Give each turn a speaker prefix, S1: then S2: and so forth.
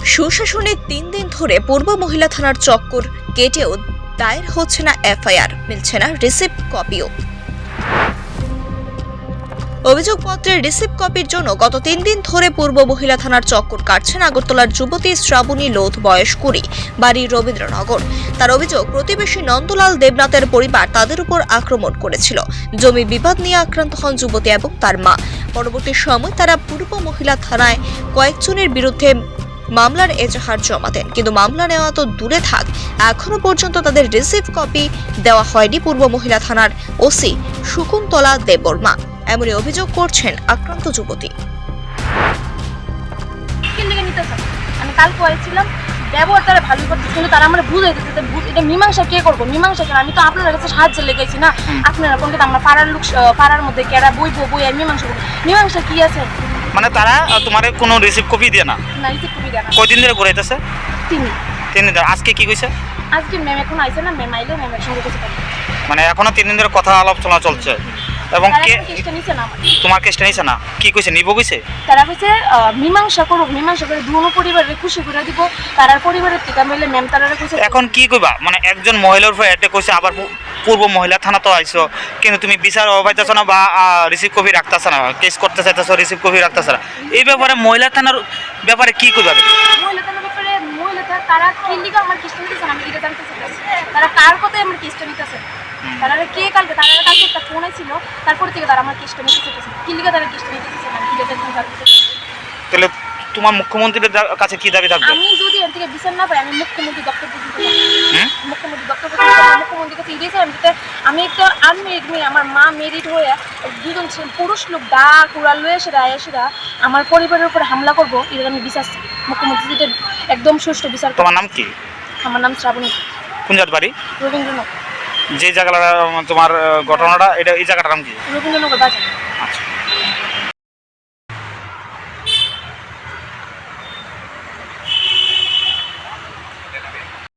S1: সুশাসনে 3 দিন ধরে পূর্ব মহিলা থানার চক্কর কেটেও দায়ের হচ্ছে না এফআইআর, মিলছে না রিসিপ্ট কপিও। অভিযোগপত্রের রিসিপ্ট কপির জন্য গত 3 দিন ধরে পূর্ব মহিলা থানার চক্কর কাটছেন আগরতলার যুবতী শ্রাবণী লোধ, বয়স 20, বাড়ি রবীন্দ্রনগর। তার অভিযোগ, প্রতিবেশী নন্দলাল দেবনাথের পরিবার তাদের উপর আক্রমণ করেছিল। জমি বিবাদ নিয়ে আক্রান্ত হন যুবতী এবং তার মা। পরবর্তী সময় তারা পূর্ব মহিলা থানায় কয়েকজনের বিরুদ্ধে মামলার এজাহার জমা দেন, কিন্তু মামলা নেওয়া তো দূরে থাক, এখনো পর্যন্ত তাদের রিসিপ্ট কপি দেওয়া হয়নি পূর্ব মহিলা থানার ওসি শকুন্তলা দেববর্মা। এমনই অভিযোগ করছেন আক্রান্ত যুবতী।
S2: আমি কালকে আইছিলাম, ব্যবহার তারা ভালো করতেছে, কিন্তু তারা আমরা বুঝাই দিচ্ছে এটা মীমাংসা কে করবো, মীমাংসা কেন? আমি তো আপনার কাছে সাহায্য লেগেছি না, আপনারা কোন আমরা পাড়ার লোক, পাড়ার মধ্যে কেরা বই আর মীমাংসা করবো। মীমাংসা কি আছে?
S3: মানে তারা তোমার কোনো রিসিপ্ট কপি দিয়ে না?
S2: না, রিসিপ্ট কপি দেয় না।
S3: কয়দিন ধরে ঘুরাইতেছে?
S2: 3
S3: দিন ধরে। আজকে কি কইছে?
S2: আজকে ম্যাম এখন আইছে না, ম্যাম আইলে ম্যামের সঙ্গে কিছু কথা।
S3: মানে এখনো 3 দিন ধরে কথা আলোচনা চলছে। এবং কে
S2: কেসটা নিছে না?
S3: তোমার কেসটা নিছে না? কি কইছে, নিব কইছে?
S2: তারা কইছে মীমাংসা করব, মীমাংসা করে দুনো পরিবারের খুশি করে দিব। তারার পরিবারের থেকে মিলে ম্যাম তারা কইছে
S3: এখন কি কইবা? মানে একজন মহিলার উপর অ্যাটাক কইছে, আবার পূর্ব মহিলা থানা তো আইছো, কিন্তু তুমি বিচার পাইতেছ না বা রিসিভ কপি রাখতেছ না, কেস করতে চাইতেছ, রিসিভ কপি রাখতেছ না। এই ব্যাপারে মহিলা থানার ব্যাপারে কি কইবা?
S2: মহিলা থানার ব্যাপারে মহিলা তারা কি লিগা আমার কেসটা নিতেছে না, আমি এটা জানতে চাইছি। তারা কার কথাই আমার কেসটা নিতেছে? তারা কে কালকে একটা ফোন ছিল, তারপর থেকে তারা আমার কেসটা নিতে চাইছে। কি লিগা তারা কেসটা নিতেছে না, আমি এটা জানতে চাইছি।
S3: তাহলে তোমার মুখ্যমন্ত্রীর কাছে কি দাবি থাকবে?
S2: আমি যদি এর থেকে বিচার না পাই, আমি মুখ্যমন্ত্রী দপ্তর পর্যন্ত মুখ্যমন্ত্রীর কাছে ইডিয়েছি। আমি একটা আনমেরিড মেয়ে, আমার মা মেরিড হয়ে দুজন পুরুষ লোক ডাক উড়া লয়ে সেরা আমার পরিবারের উপরে হামলা করবো, এটা আমি বিচার মুখ্যমন্ত্রী যেটা একদম সুষ্ঠু বিচার।
S3: তোমার নাম কি?
S2: আমার নাম শ্রাবণী।
S3: কোন জাত বাড়ি?
S2: রবীন্দ্রনগর।
S3: যে জায়গাটা তোমার ঘটনাটা, এটা এই জায়গাটার নাম কি?
S2: রবীন্দ্রনগর বাজার।
S3: আচ্ছা।